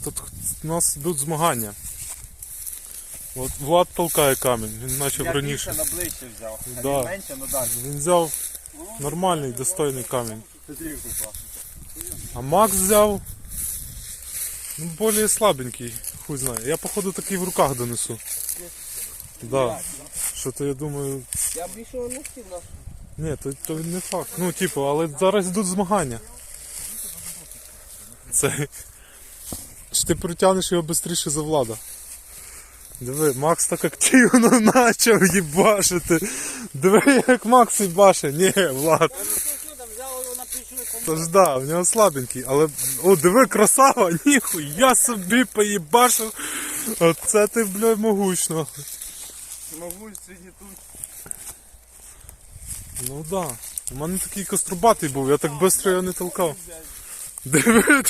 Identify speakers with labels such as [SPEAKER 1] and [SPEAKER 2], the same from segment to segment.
[SPEAKER 1] тут у нас йдуть змагання. От Влад толкає камінь, він почав раніше.
[SPEAKER 2] Я більше на ближче взяв, а
[SPEAKER 1] Да.
[SPEAKER 2] він менше, ну далі.
[SPEAKER 1] Він взяв нормальний, достойний камінь. А Макс взяв більш слабенький, хуй знає. Я походу такий в руках донесу. Да. Що то я думаю...
[SPEAKER 2] Я більше не хотів наш.
[SPEAKER 1] Ні, то не факт. Ну, типу, але зараз йдуть змагання. Це... Чи ти притягнеш його швидше за Влада? Диви, Макс так активно почав їбашити. Диви, як Макс їбаше. Ні, Влад. Тож да, в нього слабенький, але... О, диви, красава, ніхуя собі поїбашив. Оце ти, блядь, могучно.
[SPEAKER 2] Могуч сьогодні тут.
[SPEAKER 1] Ну да. У мене такий кострубатий був, я так швидко його не толкав. Диви.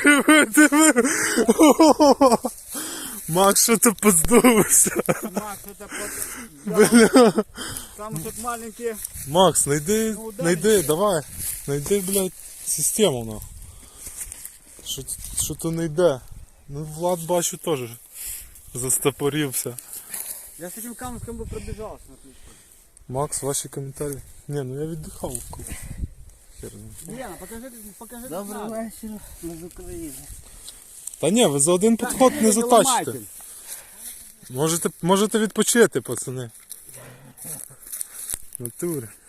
[SPEAKER 1] О, Макс, що ти поздувався?
[SPEAKER 2] Макс, это под... Там тут маленькие...
[SPEAKER 1] Макс, найди, давай. Найди, блядь, систему, нахуй. Що то не йде. Ну, Влад, бачу, теж застопорився.
[SPEAKER 2] Я с этим камушком бы пробежался, отлично.
[SPEAKER 1] Макс, ваші коментарі. Ні, ну я віддихав.
[SPEAKER 2] Лена, покажи. Добрий вечір, ми з України.
[SPEAKER 1] Та ні, ви за один підход не затачите. Можете відпочити, пацани. В натурі.